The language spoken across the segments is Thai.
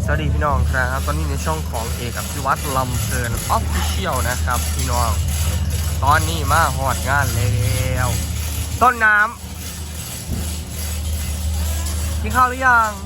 สวัสดีพี่น้องครับตอนนี้ในช่องของเอกอภิวัตรลำเพลินออฟฟิเชียลนะครับพี่น้องตอนนี้มาหอดงานแล้วต้นน้ำกินข้าวหรือยัง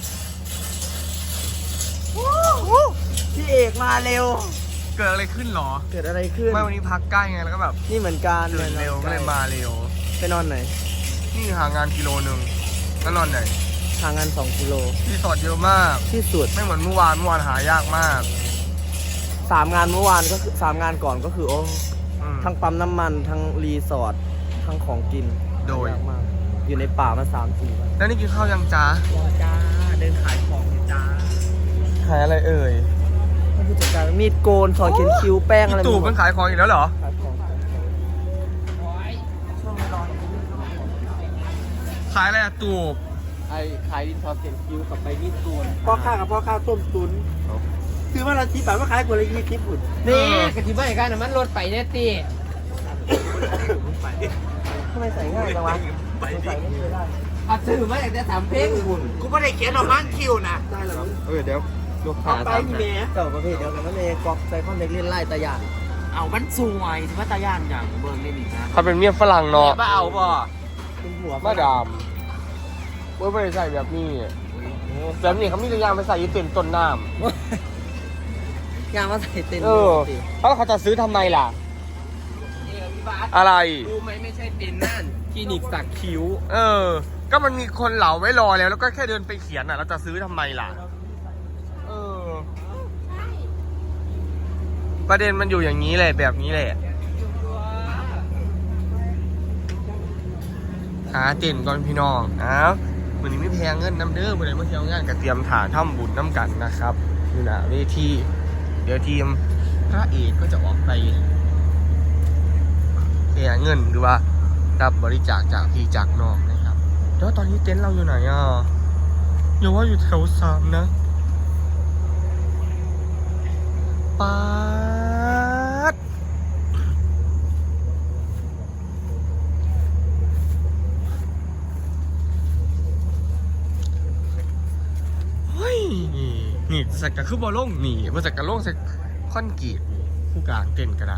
พี่เอกมาเร็วเกิดอะไรขึ้นหรอเกิดอะไรขึ้นไม่วันนี้พักใกล้ไงแล้วก็แบบนี่เหมือนกันตื่นเร็วก็เลยมาเร็วไปนอนไหนนี่ห่างงานกิโลนึงแล้วนอนไหนห่างกัน2 กิโลที่สอดเยอะมากที่สุดไม่เหมือนเมื่อวานหายากมาก 3 งานเมื่อวานก็คือ3 งานก่อนก็คือโอ้ทั้งปั๊มน้ำมันทั้งรีสอร์ททั้งของกินโดยมากอยู่ในป่ามา3-4 วันแล้วนี่กินข้าวยังจ้าจ้าเดินขายของจ้าขายอะไรเอ่ยผู้จัดการมีดโกนสอนเขียนคิ้วแป้งอะไรตู่มันขายของอีกแล้วเหรอขายของขายอะไรอะตู่ขายดินสอเขียนคิ้วกับใบมีดโกนพ่อข้ากับพ่อข้าต้มตุ๋นคือว่าเราที่ป่าว่าขายคนละ20 ปุ่นนี่กะทิบ้านกันมันรถไปเนี่ยตีทำไมใส่ง่ายจังวะใส่ไม่เคยได้เอาซื้อมาจากแต่3 เพลงคุณกูไม่ได้เขียนออกมาคิวนะได้หรอเดี๋ยวลูกค้าไปพี่เมย์เก่าประเภทเดียวกันนั่นเองกอกใส่ข้อเล็กเล่นไล่ตะยานเอามันสวยสิว่าตาย่านอย่างเบิร์นเล่นอีกนะเขาเป็นเมียฝรั่งเนาะบ้าเอาบ่เป็นหัวมาดามไม่ได้ใส่แบบนี้แบบนี้เขามีตัวอย่างไปใส่ยืดเต็มต้นน้ำยางมาใส่เต็มแล้วเขาจะซื้อทำไมล่ะอะไรรู้ไหมไม่ใช่เต็นนั่นคลินิกสักคิ้วก็มันมีคนเหลาไว้รอแล้วก็แค่เดินไปเขียนอ่ะเราจะซื้อทำไมล่ะประเด็นมันอยู่อย่างนี้แหละแบบนี้แหละหาเต็นก่อนพี่น้องวันนี้ไม่แพงเงินน้ำเด้อวันนี้มาเที่ยวงานกับเตรียมถ่าทำบุญน้ำกันนะครับอยู่นะเวทีเดี๋ยวทีมพระเอกก็จะออกไปแห่เงินหรือว่ารับบริจาคจากพี่จากน้องนะครับแล้วตอนนี้เต็นท์เราอยู่ไหนอย่าว่าอยู่แถว3นะป๊าดเฮ้ยนี่สักกะคือบอลล่งนี่มาสักกะล่งสักคอนกรีตผู้กลางเต็นท์ก็ได้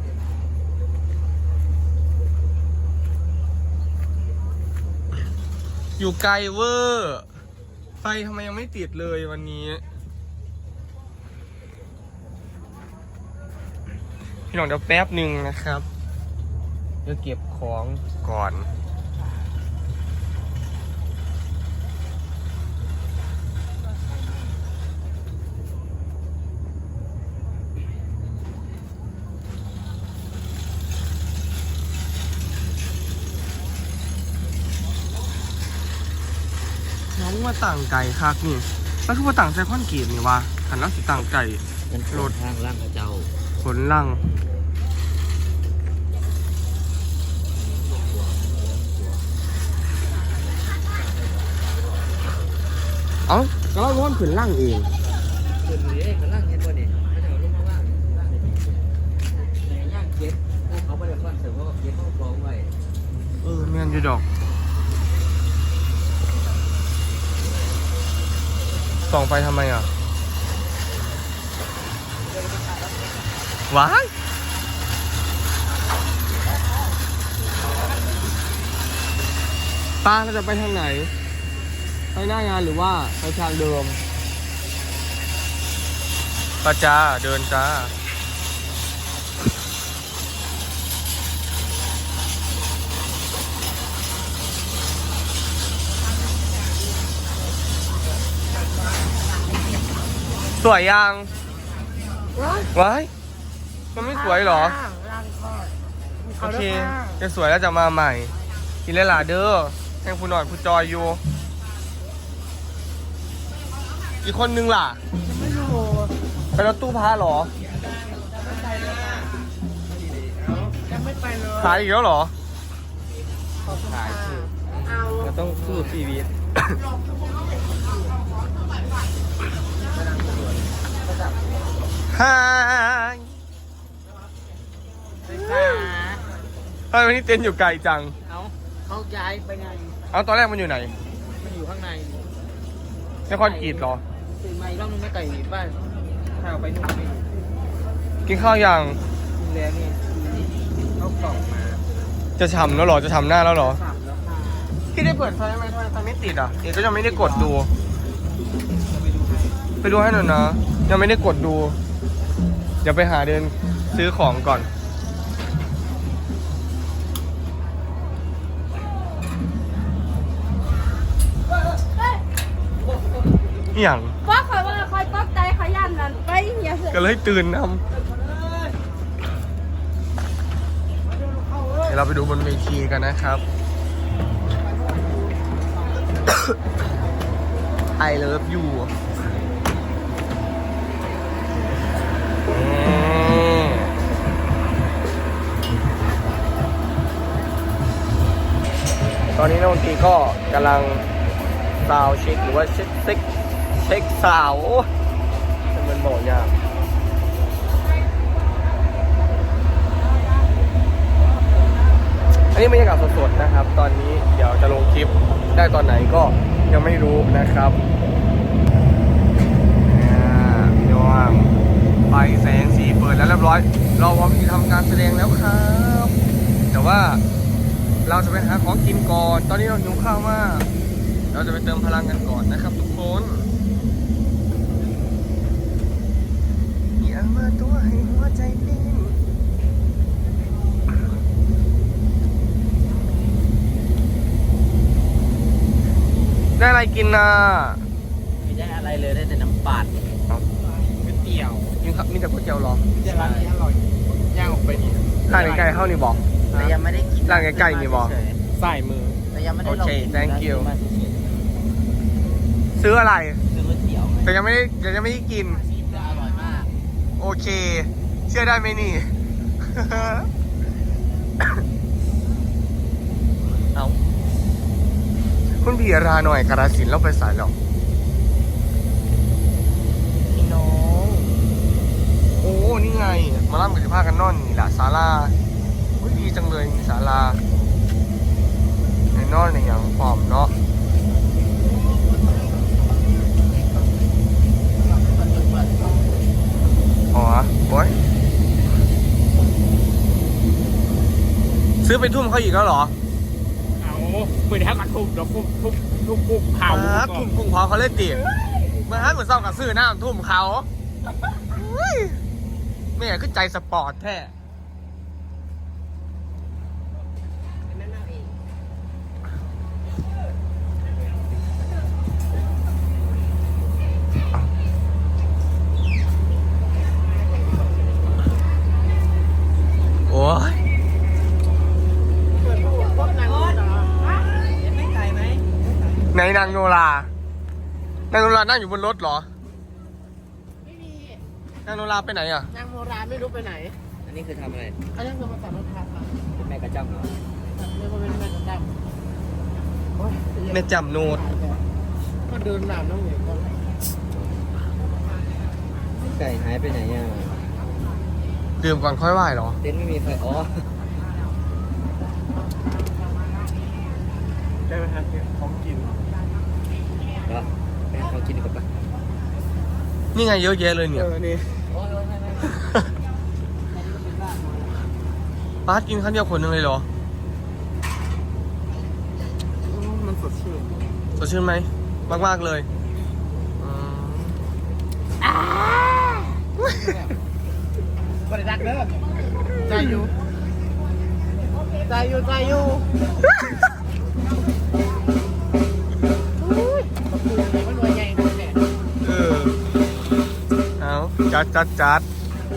อยู่ไกลเวอร์ไฟทำไมยังไม่ติดเลยวันนี้พี่น้องเดี๋ยวแป๊บหนึ่งนะครับเดี๋ยวเก็บของก่อนน้องมาต่างไก่คักนี่แล้วคือว่าต่างไซคอนกรีตนี่วะหันแล้วสิต่างไก่รถทางล่างเจ้าขนลังก็เราล้วนขนลังเองขนเลยขนล่างเห็นบ่เนี่ยเขาจะเอาลงมาว่างในย่างเก็ตเขาไม่ได้คอนเสิร์ตเพราะเก็ตเขาฟ้องไว้แม่นอยู่ดอกส่องไปทำไมว้ายป้าเราจะไปทางไหนไปหน้างานหรือว่าไปทางเดิมป้าจ้าเดินจ้าสวยยังว้ายมันไม่สวยหรอโอเคจะสวยแล้วจะมาใหม่กินเลยล่ะเด้อแทงผู้หน่อยผู้จอยอยู่อีกคนนึงล่ะไม่รู้ไปรถตู้พาหรอยังไม่ไปเลยขายอีกแล้วหรอขายก็ต้องสู้ชีวิตฮายทำไมวันนี้เต็นท์อยู่ไกลจังเขาย้ายไปไงตอนแรกมันอยู่ไหนมันอยู่ข้างในนครกรีฑเหรอตื่นมาอีกรอบนึงไม่ไก่บ้านข้าวไปนู่นไปกินข้าวยังแล้วนี่เขากล่องมาจะฉ่ำแล้วเหรอจะฉ่ำหน้าแล้วเหรอสับแล้วค่ะพี่ได้เปิดไฟไหมทำไมไฟไม่ติดอ่ะเอกก็ยังไม่ได้กดดูจะไปดูให้ไปดูให้หน่อยนะยังไม่ได้กดดูเดี๋ยวไปหาเดินซื้อของก่อนอหย่างว่าคอยว่าคอยตกใจขยันนั่นไปเฮียเสร็จก็เลยตื่นนำเดี๋ยวเราไปดูบนเวทีกันนะครับ I love you ตอนนี้นักดนตรีก็กำลังซาวเช็คหรือว่าเช็คซาวโอ้มันบอกยากอันนี้บรรยากาศสดๆนะครับ ตอนนี้เดี๋ยวจะลงคลิปได้ตอนไหนก็ยังไม่รู้นะครับพี่น้องไฟแสงสีเปิดแล้วเรียบร้อย เราพร้อมที่ทำการแสดงแล้วครับ แต่ว่าเราจะไปหาของกินก่อน ตอนนี้เราหิวข้าวมาก เราจะไปเติมพลังกันก่อนนะครับทุกคนอย่ามาตัวให้หัวใจปิ้งได้อะไรกินน่ะไม่ได้อะไรเลยได้แต่น้ำปั่นก๋วยเตี๋ยวกินครับมีแต่ก๋วยเตี๋ยวเหรอจะร้านนี้อร่อยย่างออกไปนี่ร้านไก่เข้านี่บอกแต่ยังไม่ได้กินร้านไก่นี่บอกใส่มือแต่ยังไม่ได้โอเค thank you มาเฉยซื้ออะไรๆซื้อก๋วยเตี๋ยวแต่ยังไม่ได้กินจะอร่อยมากโอเค เชื่อได้ไหมนี่ เอาคุณพี่ราหน่อยกราสินธุ์เราไปสายหรอกพี่น้อง โอ้ นี่ไง มาล่ำกับสิพากันนอนนี่แหละศาลาอุ้ยดีจังเลยมีศาลาในนอนในอย่างปลอมเนาะอ๋อโอ้ยซื้อไปทุ่มเขาอีกแล้วเหรอเอาเหมือนแทบกระทุบแล้วทุบเผาทุ่มกุ้งเผาเขาเล่นตีเมื่อฮันเหมือนเศร้ากับซื้อน้ำทุ่มเขาอุ้ยแม่คือใจสปอร์ตแท้โอ้ยไหนนางโนรานางโนรานั่งอยู่บนรถเหรอไม่มีนางโนราไปไหนอ่ะนางโมราไม่รู้ไปไหนอันนี้คือทำอะไรเขายังจะมาตัดรถทับอ่ะเป็นแม่กระจ้ำเหรอเรียกว่าเป็นแม่กระดับแม่จำโนดก็เดินหนามน้องเหนียวก็ไก่หายไปไหนอ่ะดื่มก่อนค่อยไหว้เหรอเต็นท์ไม่มีไฟอ๋อได้ไหมครับของกินเหรอไปหาของกินดีกว่าปะนี่ไงเยอะแยะเลยเนี่ยนี่โอ้ยไม่ไม่ป้ากินข้าวเดียวคนหนึ่งเลยเหรอมันสดชื่นสดชื่นไหม มาก ๆ เลยอืมบริษัทเด้อใจอยู่ใจอยู่ใจอยู่อุ้ยมันรวยใหญ่เลยเนี่ยเออ เอาจัด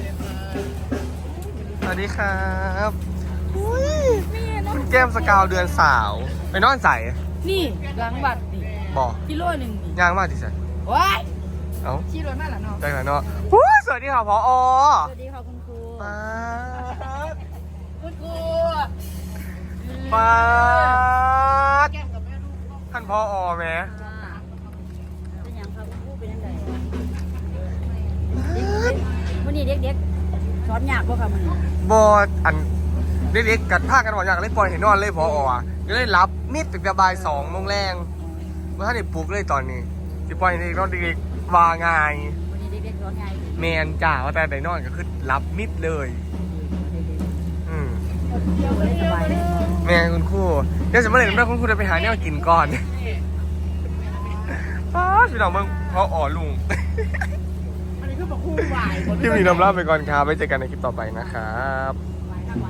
สวัสดีครับอุ๊ยคุณแก้มสกาวเดือนสาว ไปนอนใส่นี่หลังบัตรนี่บอกกิโลหนึ่งนี่ย่างมากดิสันว้ายเอ้าขี่รถมาแล้วเนาะได้แล้วเนาะอุ๊ยสวัสดีค่ะพอสวัสดีค่ะคุณครูป๊าดคุณครูป๊าดแก้มกับแม่ลูกท่านพอแหมเป็นยังครับคุณครูเป็นยังไงวันนี้เด็กๆสอนยากป่ะค่ะมันบออันเด็กๆกัดผ้ากันหมดอย่างเลยปล่อยเห็นนอนเลยพอก็เลยรับมิดตึกระบาย2 โมงแรงเมื่อท่านได้ปลุกเลยตอนนี้สิปล่อยให้เด็กนอนเด็กว่าไงวันนี้เด็กๆร้องไงแมนจ่าว่าแต่ไดนอนก็คือรับมิดเลยสบายเลยแม่คุณครูเดี๋ยวจะมาเล่นด้วยคุณครูจะไปหาแนวกินก่อนป้าพี่น้องเบิ่งเพราะอ๋อลุงอันนี้คือบอกคู่วายคลิปนี้นำลาไปก่อนครับไว้เจอกันในคลิปต่อไปนะครับ